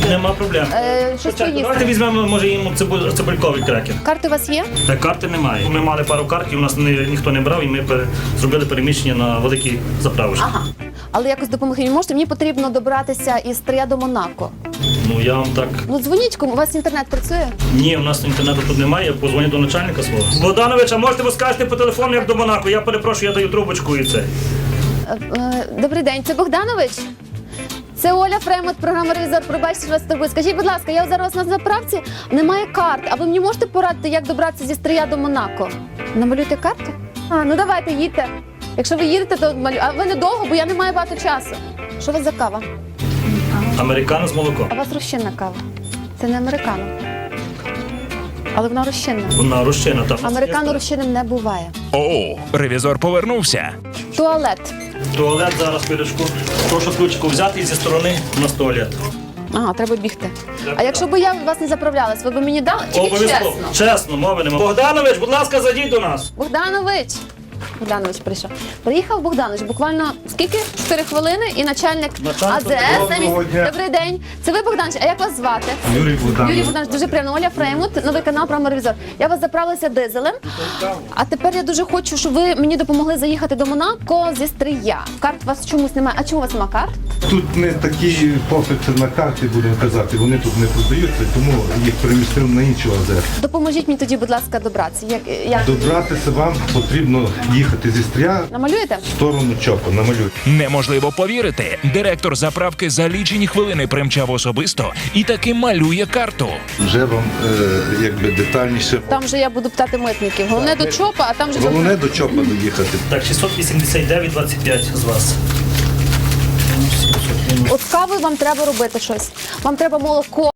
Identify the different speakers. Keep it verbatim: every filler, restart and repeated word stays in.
Speaker 1: Нема проблем.
Speaker 2: Е, щось
Speaker 1: Спочатку
Speaker 2: поїсти.
Speaker 1: давайте візьмемо, може, їм цибуль- цибульковий крекер.
Speaker 2: Карти у вас є?
Speaker 1: Та карти немає. Ми мали пару картів, у нас ні, ніхто не брав, і ми пере- зробили переміщення на великий заправочки.
Speaker 2: Ага. Але якось допомогти не можете? Мені потрібно добратися із Стрия до Монако.
Speaker 1: Ну я вам так.
Speaker 2: Ну дзвоніть кому, у вас інтернет працює?
Speaker 1: Ні, у нас інтернету тут немає, я позвоню до начальника свого. Богданович, а можете ви скажете по телефону, як до Монако? Я перепрошую, я даю трубочку і це.
Speaker 2: Е, е, Добрий день, це Богданович? Це Оля Фремот, програма «Ревізор». Пробачте, що вас турбую. Скажіть, будь ласка, я зараз на заправці, немає карт. А ви мені можете порадити, як добратися зі Стрия до Монако? Намалюйте карту? А, ну давайте, їдьте. Якщо ви їдете, то малю. А ви недовго, бо я не маю багато часу. Що у вас за кава?
Speaker 1: Американо з молоком.
Speaker 2: А у вас розчинна кава. Це не американо. Але вона розчинна.
Speaker 1: Вона розчина там.
Speaker 2: Американо розчинним не буває.
Speaker 3: О, ревізор повернувся.
Speaker 2: Туалет.
Speaker 1: Туалет зараз пилючку. Прошу ключку взяти і зі сторони на туалет.
Speaker 2: Ага, треба бігти. А якщо б я вас не заправлялась, ви б мені дали? Чи
Speaker 1: Обов'язково.
Speaker 2: чесно?
Speaker 1: Чесно, мови нема. Богданович, будь ласка, зайдіть до нас.
Speaker 2: Богданович! Богданович прийшов. Приїхав Богданович, буквально скільки? Чотири хвилини і начальник
Speaker 1: Начальник.
Speaker 2: АЗС.
Speaker 4: Доброго
Speaker 2: замість-
Speaker 4: дня.
Speaker 2: Добрий день. Це ви, Богданович, а як вас звати?
Speaker 4: Юрій Богданович.
Speaker 2: Юрій Богданович, дуже приємно. Оля Фреймут, новий канал «Програма «Ревізор». Я вас заправилася дизелем, а тепер я дуже хочу, щоб ви мені допомогли заїхати до Монако зі Стрия. Карт у вас чомусь немає. А чому у вас немає карт?
Speaker 4: Тут не такі попити на карті, будемо казати, вони тут не продаються, тому їх перемістив на інші АЗС.
Speaker 2: Допоможіть мені тоді, будь ласка, добратися. Як, як...
Speaker 4: Добратися вам потрібно їхати зі Стрия
Speaker 2: Намалюєте?
Speaker 4: в сторону Чопа, намалюйте.
Speaker 3: Неможливо повірити. Директор заправки за лічені хвилини примчав особисто і таки малює карту.
Speaker 4: Вже вам е, якби детальніше.
Speaker 2: Там же я буду питати митників. Головне до ЧОПа, а там же...
Speaker 4: Головне до Чопа доїхати.
Speaker 1: Так, шістсот вісімдесят дев'ять двадцять п'ять з вас.
Speaker 2: От кави вам треба робити щось. Вам треба молоко.